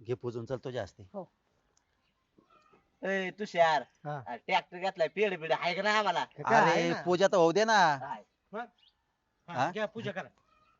घे पुजून चल तुझ्या असते. हो. ए तुषार हा. ट्रॅक्टर घेतलाय पेड पेड आहे का नाही आम्हाला काय आहे अरे ना? पूजा तर होऊ दे ना. आहे. हा? घ्या पूजा करा.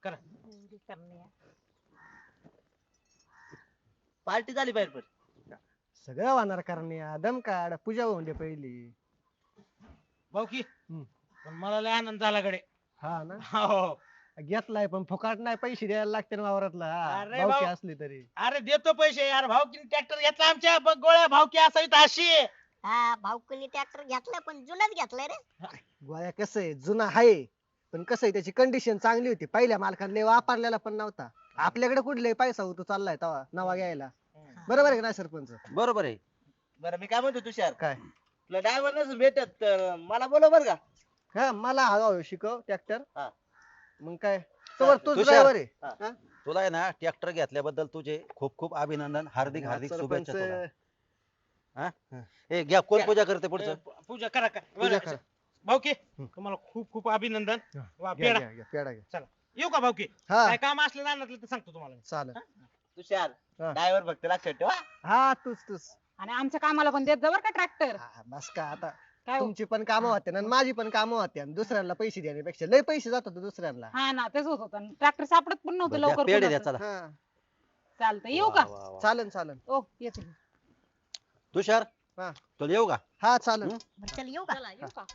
पार्टी झाली बाहेर पण सगळं होणार कारण दम काढ पूजा होऊन दे पहिली. भाऊ की हम्म. पण मला लय आनंद झाला कडे. हा ना हो. घेतलाय पण फुकाट नाही पैसे द्यायला लागते ना वावरातला अरे भावकी भाऊ. असली तरी. अरे देतो पैसे यार, भाऊकीने ट्रॅक्टर घेतला आमच्या, बघ गोळ्या भाऊकी असावी अशी. हा भाऊकुनी ट्रॅक्टर घेतलाय पण जुनाच घेतलाय रे. गोळ्या कसं आहे जुना आहे पण कसं आहे त्याची कंडिशन चांगली होती पहिल्या मालकाने वापरलेला पण नव्हता. आपल्याकडे कुठले पैसा होतो चाललाय तवा नवा घ्यायला. बरोबर आहे का नाही सरपंच? बरोबर आहे. बरं मी काय म्हणतो तुषार काय? तुला ड्रायव्हर नसेल भेटत तर मला बोलव बर का हा मला हवा शिकव ट्रॅक्टर. हा. मग काय तोवर तूच तुषार. ड्रायव्हर आहे. हा. तुला आहे ना ट्रॅक्टर घेतल्याबद्दल तुझे खूप खूप अभिनंदन, हार्दिक हार्दिक शुभेच्छा तुला. सरपंच ए घ्या, कोण पूजा करते पुढचं? पूजा करा का पूजा करा. भाऊकी हम्म. तुम्हाला खूप खूप अभिनंदन. हा, वा, घ्या, पेढा. घ्या, घ्या, पेढा घ्या. येऊ का भाऊकी? हा काय काम असलं ना तर सांगतो तुम्हाला. चालेल. तुषार हा. ड्रायव्हर फक्त लक्षात ठेवा हा तूच आणि आमच्या कामाला पण देत जा बरं का ट्रॅक्टर. हा, बस का आता काय हो? तुमची पण कामं होते ना आणि माझी पण कामं होते आणि दुसऱ्यांना पैसे देण्यापेक्षा लय पैसे जात होते दुसऱ्यांना. हा ना तेच होत होतं ट्रॅक्टर सापडत पण नव्हतं बरं, द्या, लवकर पेढे द्या कोणाचं. चला. हा चालतं येऊ का? वा, वा, वा. चालन चालन. ओ येते. तुषार हा. तुला येऊ का? हा चालन. हम्म. बरं, चल येऊ का? चला येऊ का?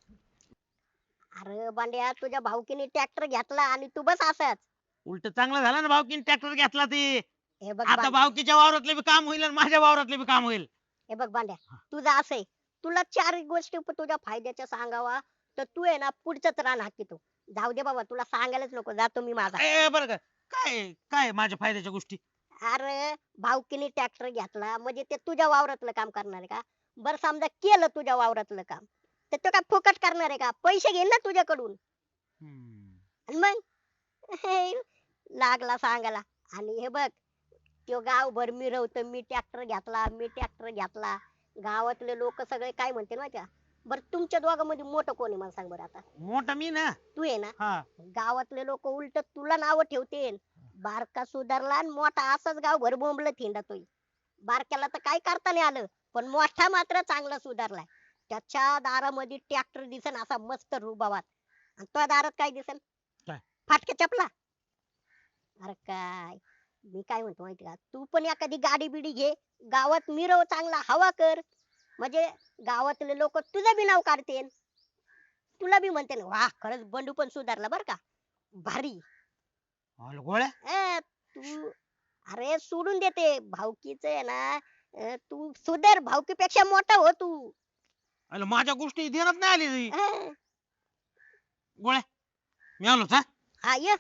अरे बांड्या तुझ्या भाऊकीने ट्रॅक्टर घेतला आणि तू बस असाच. उलट चांगलं झालं ना भाऊकीने ट्रॅक्टर घेतला ते. हे बघ आता भाऊकीच्या वावरातले बी काम होईल आणि माझ्या वावरातले बी काम होईल. हे बघ बांड्या तुझं असं आहे तुला चार गोष्टी तुझ्या फायद्याच्या सांगावा तर तू आहे ना पुढचंच रान हाकितो. जाऊ दे बाबा तुला सांगायलाच नको जातो मी माझा. बरं का काय काय माझ्या फायद्याच्या गोष्टी? अरे भाऊकीने ट्रॅक्टर घेतला म्हणजे ते तुझ्या वावरातलं काम करणार आहे का? बरं समजा केलं तुझ्या वावरातलं काम तर तो काय फुकट करणार आहे का? पैसे घेईन ना तुझ्याकडून. आणि मग लागला सांगायला. आणि हे बघ तो गावभर मिरवतो मी ट्रॅक्टर घेतला मी ट्रॅक्टर घेतला. गावातले लोक सगळे काय म्हणते माहिती का? बरं तुमच्या दोघांमध्ये मोठं कोण आहे मला सांग बरं आता. मोठा मी ना. तू आहे ना. हा. गावातले लोक उलट तुला नाव ठेवते. बारका सुधारला आणि मोठा असाच गावभर बोंबल थिंडतोय. बारक्याला तर काय करता नाही आलं पण मोठा मात्र चांगला सुधारलाय. त्याच्या दारामध्ये ट्रॅक्टर दिसन असा मस्त रुबाबात आणि तुझ्या दारात काय दिसन? काय? फाटक्या चपला. अरे काय मी काय म्हणतो माहिती का? तू पण एखादी गाडी बिडी घे गावात मिरव चांगला हवा कर म्हणजे गावातले लोक तुझं बी नाव काढतील. तुला बी म्हणते ना वा खरंच बंडू पण सुधारला बर का भारी. अरे गोळ्या तू अरे सोडून देते भावकीच आहे ना. तू सुधार भावकीपेक्षा मोठा हो तू. अरे माझ्या गोष्टी ध्यानात नाही आली अं, गोळ्या. मी आलोच हा. हा ये.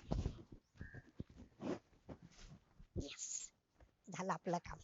Yes. झालं आपलं काम.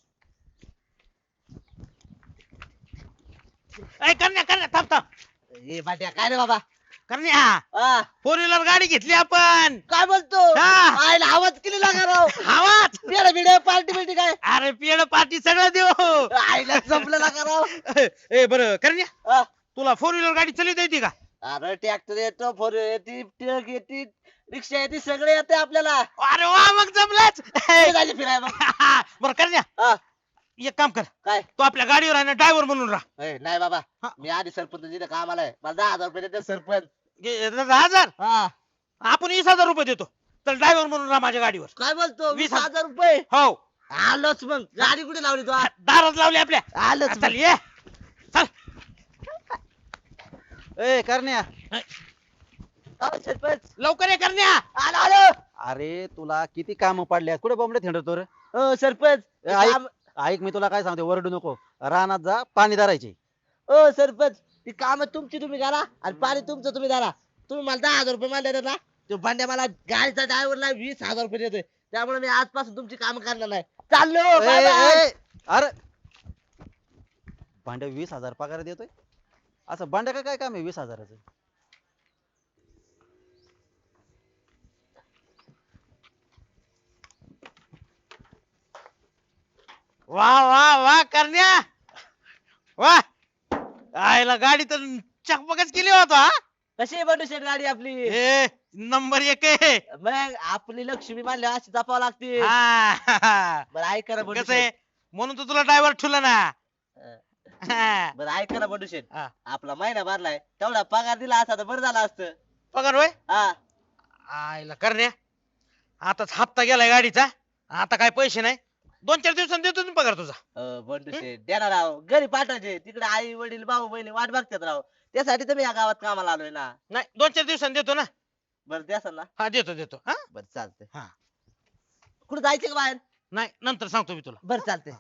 करण्या थांब थांब. ए बाट्या काय रे बाबा करण्या हा, फोर व्हीलर गाडी घेतली आपण. काय बोलतो हा. आयला आवाज केली लागा राव आवाज. पेड बिड पार्टी बिर्टी काय अरे पेड पार्टी सगळं देऊ. आईला जमलं लागा राव ए बरं करण्या हा. तुला फोर व्हीलर गाडी चालवता येते का? अरे ट्रॅक्टर येतो फोर येते ट्रक येते रिक्षा येते सगळे येते आपल्याला अरे वा मग जमलाच. कुठे जायचं फिरायला मग? बरं करण्या हा. एक काम कर काय तू आपल्या गाडीवर आहे ना ड्रायव्हर म्हणून राहा. ए, नाही बाबा हा. मी आधी सरपंच तिथे कामाला आहे मला 10,000 रुपये देते सरपंच 10,000 हा आपण 20,000 रुपये देतो तर ड्रायव्हर म्हणून राहा माझ्या गाडीवर. काय बोलतो 20,000 20,000 रुपये हो आलोच मग गाडी कुठे लावली तू दारात लावली आपल्या. आलोच चल ये चल. ए करण्या, सरपंच लवकर ये करण्या. आलो आलो अरे तुला किती काम पडल्यात, कुठे बोंबडे थिंडतो रे? सरपंच ए, ऐक मी तुला काय सांगते, वरडू नको. रानात जा, पाणी धरायचे. सरपंच ती काम तुमची तुम्ही करा आणि पाणी तुमचं तुम्ही धरा. तुम्ही मला 10,000 रुपये मला देतात ना तो भांड्या मला गाडीचा ड्रायव्हरला 20,000 रुपये देतोय त्यामुळे मी आजपासून तुमची काम करणार नाही. चाललो bye bye. अरे भांड्या 20,000 पगार देतोय? असं भांड्या काय काम आहे 20,000चं? वा वा वा करण्या वा. आयला गाडी तर चकमकच केली होता. कशी आहे बंडू शेठ गाडी आपली? ए नंबर 1 आहे. मग आपली लक्ष्मी मानल्या अशी जपावं लागते. हा. बरं ऐका ना बंडू कसं आहे शेठ. म्हणून तर तुला ड्रायव्हर ठेवला ना. हा. बरं ऐका ना बंडू शेठ, हा. आपला महिना भरलाय तेवढा पगार दिला असता तर बरं झालं असतं. पगार होय हा आईला करण्या, आताच हप्ता गेलाय गाडीचा, आता काय पैसे नाही. 2-4 दिवसांनी देतो ना पगार तुझा. बंडू शेठ देणार राव, घरी पाठवायचे, तिकडे आई वडील भाऊ बहिणी वाट बघतात राव, त्यासाठी तर मी या गावात कामाला आलोय ना. नाही 2-4 दिवसांनी देतो ना. बरं द्याल ना. हा देतो हा. बरं चालतंय. हा. कुठे जायचं का बाहेर? नाही नंतर सांगतो मी तुला. बरं चालतंय.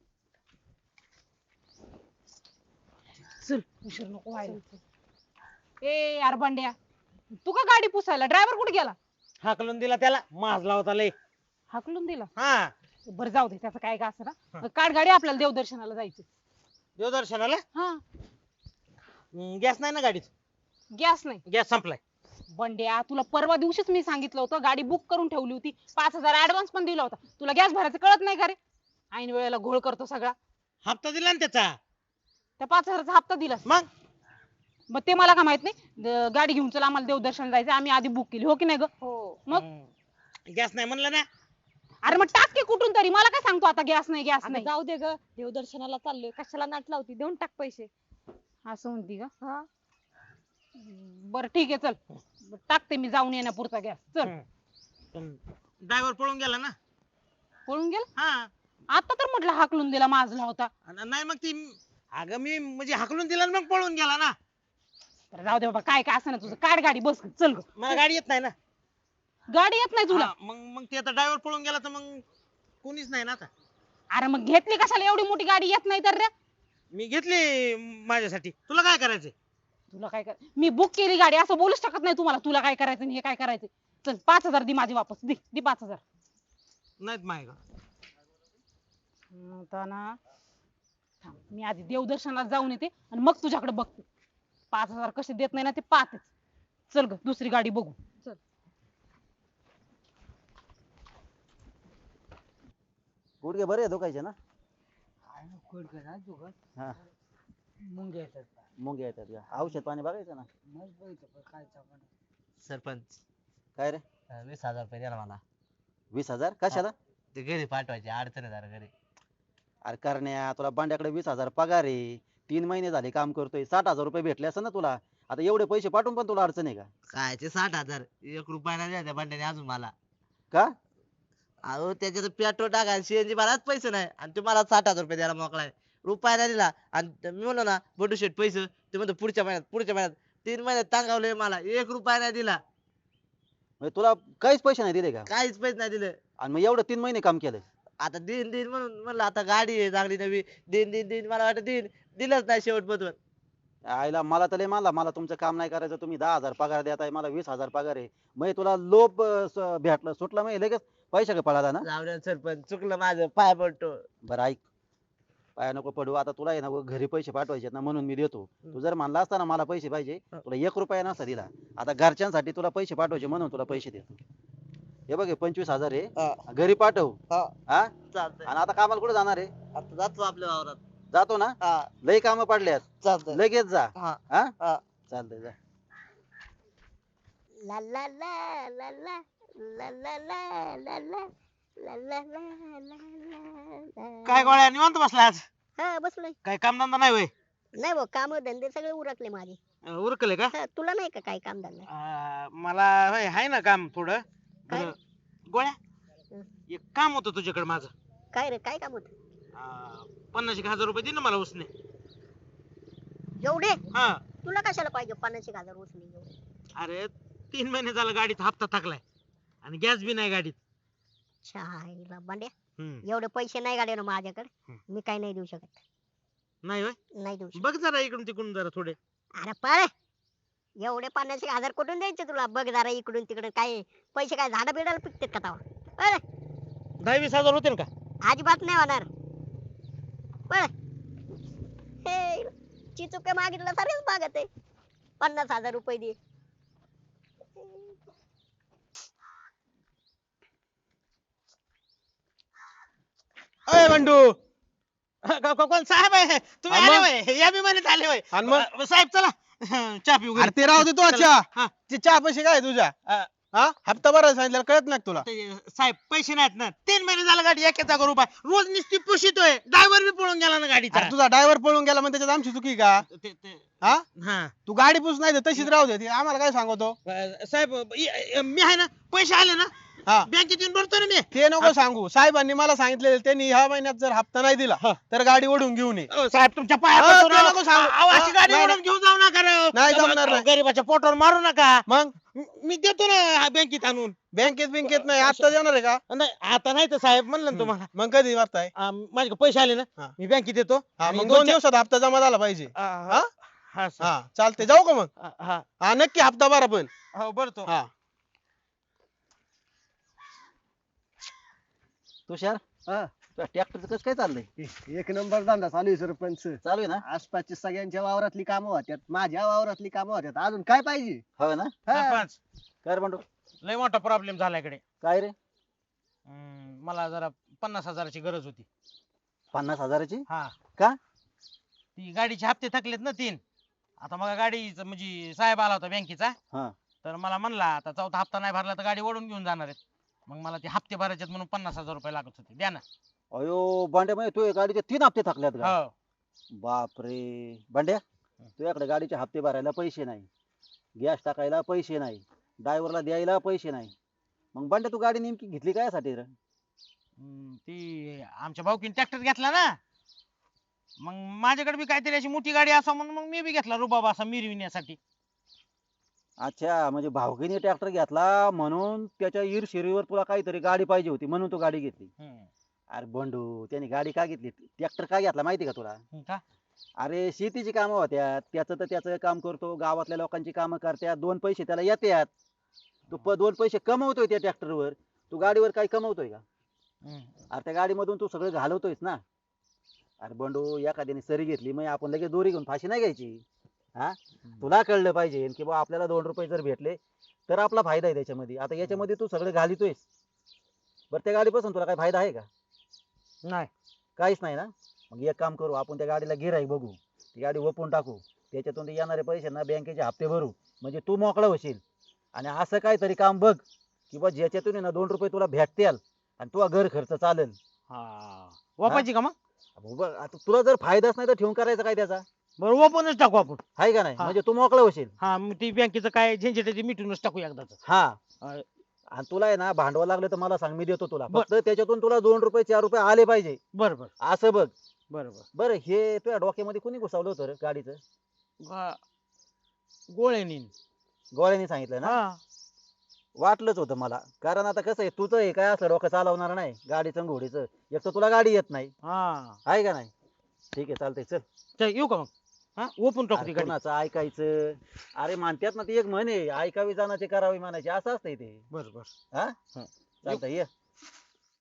चल उशीर नको व्हायला. ए यार बंड्या, तू का गाडी पुसायला? ड्रायव्हर कुठे गेला? हाकलून दिला त्याला, माजला होता लय. हाकलून दिला. हा. बरं जाऊ दे, त्याचं काय का असं ना. काढ गाडी, आपल्याला देवदर्शनाला जायचं. देवदर्शनाला हा. गॅस नाही ना गाडीत? गॅस नाही. गॅस संपलाय. बंड्या, तुला परवा दिवशीच मी सांगितलं होतं, गाडी बुक करून ठेवली होती, 5,000 ऍडव्हान्स पण दिला होता. तुला गॅस भरायचं कळत नाही का रे? ऐन वेळेला घोळ करतो सगळा. हप्ता दिला ना त्याचा. त्या 5,000चा हप्ता दिला. मग ते मला का माहित नाही. गाडी घेऊन चल, आम्हाला देवदर्शन जायचं, आम्ही आधी बुक केली, हो की नाही ग? मग गॅस नाही म्हणलं ना. अरे मग टाक की कुठून तरी, मला काय सांगतो आता गॅस नाही गॅस अगं नाही. जाऊ दे ग, देवदर्शनाला चाललोय, कशाला नाट लावती, देऊन टाक पैसे. असं म्हणती का? हा. बरं ठीक आहे, चल टाकते मी, जाऊन येण्यापुरता गॅस. चल. ड्रायव्हर पळून गेला ना. पळून गेला? हा. आता तर म्हटलं हाकलून दिला, माजला होता. नाही मग ती, अगं मी म्हणजे हाकलून दिला आणि मग पळून गेला ना. बरं जाऊ दे बाबा, काय काय असं ना तुझं, काढ गाडी, बस चल ग. मला गाडी येत नाही ना. गाडी येत नाही तुला? हा, मग ते आता ड्रायव्हर पळून गेला तर मग कोणीच नाही ना आता. अरे मग घेतली कशाला, एवढी मोठी गाडी येत नाही तर रे? मी घेतली माझ्यासाठी, तुला काय करायचंय? तुला काय कर, मी बुक केली गाडी, असं बोलूच शकत नाही तुम्हाला. तुला काय करायचं आणि हे काय करायचं. चल 5,000 दे माझी वापस, दे 5,000. नाहीत माय का. आता ना थांब, मी आधी देवदर्शनाला जाऊन येते आणि मग तुझ्याकडे बघते. 5,000 कसे देत नाही ना ते पाहतेच. चल ग, दुसरी गाडी बघू. चल. गुडघे बरे धोकायचे ना. हा मुंग्या येतात का? औषध पाणी बघायचं ना. सरपंच काय रे? 20,000 रुपये द्या मला. 20,000 कशाला? ते घरी पाठवायचे, अडचण आहे जरा घरी. अरे करण्या, तुला बांड्याकडे 20,000 पगार आहे, 3 महिने झाले काम करतोय, 60,000 रुपये भेटले असं ना तुला. आता एवढे पैसे पाठवून पण तुला अडचण आहे का? कायचे 60,000, 1 रुपया नाही द्यायचा बंड्याने अजून मला. का? अहो त्याच्यात पेट्रोल टाकायला सीएनजी भरायला पैसे नाही, आणि तुम्हाला 60,000 रुपये द्यायला मोकळा आहे. रुपया नाही दिला. आणि मी म्हणलो ना बंडू शेठ पैसे, ते म्हणतो पुढच्या महिन्यात 3 महिन्यात टांगावले मला, 1 रुपया नाही दिला, म्हणजे तुला काहीच पैसे नाही दिले का? काहीच पैसे नाही दिले. आणि मग एवढं 3 महिने काम केलं. आता दिन म्हणून म्हणलं, आता गाडी आहे चांगली नवी, दिन मला वाटत दिलंच नाही शेवट बदवत. आईला मला तर लय मानला, मला तुमचं काम नाही करायचं, तुम्ही 10,000 पगार देताय, मला 20,000 पगार आहे. मग तुला लोभ भेटलं, सुटलं, मग लगेच पैसे का पळाला ना. जाऊ दे सरपंच, चुकलं माझं, पाय पडतो. बरं ऐक, पाया नको पडू, आता तुला आहे ना घरी पैसे पाठवायचे ना, म्हणून मी देतो. तू जर म्हणला असता ना मला पैसे पाहिजे, तुला 1 रुपया नसता दिला. आता घरच्यांसाठी तुला पैसे पाठवायचे म्हणून तुला पैसे देतो. हे बघ 25,000 आहे, घरी पाठव. हा चालतंय. आणि आता कामाला कुठे जाणार आहे? आता जातो आपल्या वावरात. जातो ना. हा लय काम पडल्यात, चालतंय. लगेच जा. हा हा हा. चालतंय, जा. ला ला ला ला ला ला ला ला ला ला ला ला ला. काय गोळ्या निवांत बसला आज? हा बसलोय. काय कामधंदा नाही होय? नाही भाऊ, काम धंदे सगळे उरकले माझे. उरकले का? हा, तुला नाही का काय काम धंदा? मला होय आहे ना काम थोडं. काय? बरं, गोळ्या हं. एक काम होतं तुझ्याकडे माझं. काय रे, काय काम होत? 50,000 रुपये दे ना मला उसने. एवढे? हा. तुला कशाला पाहिजे 50,000 उचली एवढे? अरे 3 महिने झालं गाडीत हप्ता टाकलाय आणि गॅस बी नाही गाडीत. छायला बांड्या, हम्म. एवढे पैसे नाही गाड्या ना माझ्याकडे. हं. मी काय नाही देऊ शकत. नाही होय? नाही देऊ शकत. बघ जरा इकडून तिकडून जरा थोडे. अरे पळ, एवढे 50,000 कुठून द्यायचे तुला? बघ जरा इकडून तिकडून, काय पैसे काय झाडा बिडाला पिकतात का तवा? अरे 10-20,000 होतील का? अजिबात नाही होणार. पळ. हे चिचुके मागितलं सारेच मागत आहे. 50,000 रुपये दे. अय बंडू. कोण साहेब आहे तुम्ही? आणि आले मग? होय, या विमानात आले होय. आणि मग? साहेब चला चहा पिऊ घरी. अरे ते राहू दे तो चला. चहा. हा. ते चहा पैसे काय तुझ्या? हा हप्ता भरायला सांगितलं कळत नाही का तुला साहेब पैसे नाहीत ना 3 महिने झालं गाडी एकेचा रुपये रोज नुसती पुशितोय ड्रायव्हर बी पळून गेला ना गाडीचा अरे तुझा ड्रायव्हर पळून गेला म्हणजे त्याच्यात आमची चुकी का हा हा तू गाडी पुस नाही तर तशीच राहू दे ती आम्हाला काय सांगतो साहेब मी आहे ना पैसे आले ना हा बँकेत येऊन भरतो ना मी ते नको सांगू साहेबांनी मला सांगितलेलं त्यांनी ह्या महिन्यात जर हप्ता नाही दिला तर गाडी ओढून घेऊन ये साहेब तुमच्या पाया हा, पडतो ते राव. नको सांगू. अहो, अशी हा, गाडी नाही, ओढून घेऊन जाऊ नका राव. नाही जमणार नाही. गरीबाच्या पोटावर मारू नका मग मी देतो ना बँकेत आणून बँकेत नाही आता देणार आहे का नाही आता नाही तर साहेब म्हणलं ना तुम्हाला मग कधी वाटताय माझे पैसे आले ना हा. मी बँकेत येतो हा आणि मग दोन 2 दिवसात हप्ता जमा झाला पाहिजे हा हा सर. हा चालते जाऊ का मग हा हा नक्की हप्ता भरा पण हो भरतो हा तुषार हा. ट्रॅक्टरचं कसं काय चाललंय एक नंबर धंदा चालू आहे सरपंच चालू आहे ना आसपासच्या सगळ्यांच्या वावरातली कामं होत्यात माझ्या वावरातली कामं होत्यात अजून काय पाहिजे हो ना हा. सरपंच काय रे बंडू लय मोठा प्रॉब्लेम झाला इकडे काय रे मला जरा 50,000ची गरज होती 50,000ची हा का? ती गाडीचे हप्ते थकलेत ना 3 आता मग गाडीचं म्हणजे साहेब आला होता बँकेचा हा तर मला म्हणला आता चौथा हप्ता नाही भरला तर गाडी ओढून घेऊन जाणार आहेत मग मला ते हप्ते भरायचे म्हणून 50,000 रुपये लागत होते द्या ना अयो बांड्या म्हणजे तू गाडीचे 3 हप्ते थकल्यात का हो बापरे बांड्या तुझ्याकडे गाडीचे हप्ते भरायला पैसे नाही गॅस टाकायला पैसे नाही ड्रायव्हरला द्यायला पैसे नाही मग बांड्या तू गाडी नेमकी घेतली काय साठी रे ती आमच्या भाऊकीने ट्रॅक्टर घेतला ना मग माझ्याकडे बी काहीतरी अशी मोठी गाडी असा म्हणून मग मी बी घेतला रुबाब असा मिरविण्यासाठी अच्छा म्हणजे भावकीने ट्रॅक्टर घेतला म्हणून त्याच्या ईर्षेरीवर तुला काहीतरी गाडी पाहिजे होती म्हणून तू गाडी घेतली अरे बंडू त्याने गाडी का घेतली ट्रॅक्टर का घेतला माहिती का तुला का अरे शेतीची कामं होत्या त्याचं तर त्याचं काम करतो गावातल्या लोकांची कामं करत्यात 2 पैसे त्याला येतात तू 2 पैसे कमवतोय त्या ट्रॅक्टरवर तू गाडीवर काही कमवतोय का अरे त्या गाडीमधून तू सगळं घालवतोयस ना अरे बंडू एखाद्याने सरी घेतली मग आपण लगेच दोरी घेऊन फाशी नाही घ्यायची हा तुला कळलं पाहिजे की बा आपल्याला 2 रुपये जर भेटले तर आपला फायदा आहे त्याच्यामध्ये आता याच्यामध्ये तू सगळं घालितोयस बरं त्या गाडीपासून तुला काय फायदा आहे का नाही काहीच नाही ना मग एक काम करू आपण त्या गाडीला गिऱ्हाईक बघू ती गाडी ओपून टाकू त्याच्यातून ते येणारे पैसे ना बँकेचे हप्ते भरू म्हणजे तू मोकळा होशील आणि असं काहीतरी काम बघ की बा ज्याच्यातून आहे ना 2 रुपये तुला भेटतील आणि तुझा घर खर्च चालेल वापायची का मग अहो बघ आता तुला जर फायदाच नाही तर ठेवून करायचं काय त्याचा बरं वापरूनच टाकू आपण आहे का नाही हा. म्हणजे तू मोकळा होशील हा मग ती बँकेचं काय झंझट मिटूनच टाकू एकदाच हा अं, आणि तुला आहे ना भांडवल लागलं तर मला सांग मी देतो तुला बर. फक्त त्याच्यातून तुला 2 रुपये 4 रुपये आले पाहिजे बरं बरं असं बघ बरं बरं बरं हे तुझ्या डोक्यामध्ये कोणी घुसवलं होतं रे गाडीचं गोळ्यानी गोळ्याने सांगितलं ना हा वाटलंच होतं मला कारण आता कसं आहे तुझं हे काय असलं डोकं चालवणार नाही गाडीचं घोडीचं एक तर तुला गाडी येत नाही हा आहे का नाही ठीक आहे चालतंय चल चल येऊ का मग हा ओपून टाकू ती अरे गाडी कोणाचं ऐकायचं अरे मानत्यात ना ती एक म्हणे ऐकावी जाण्याचे करावी मानायचे असं असतंय ते बरं बरं हा चालतंय ये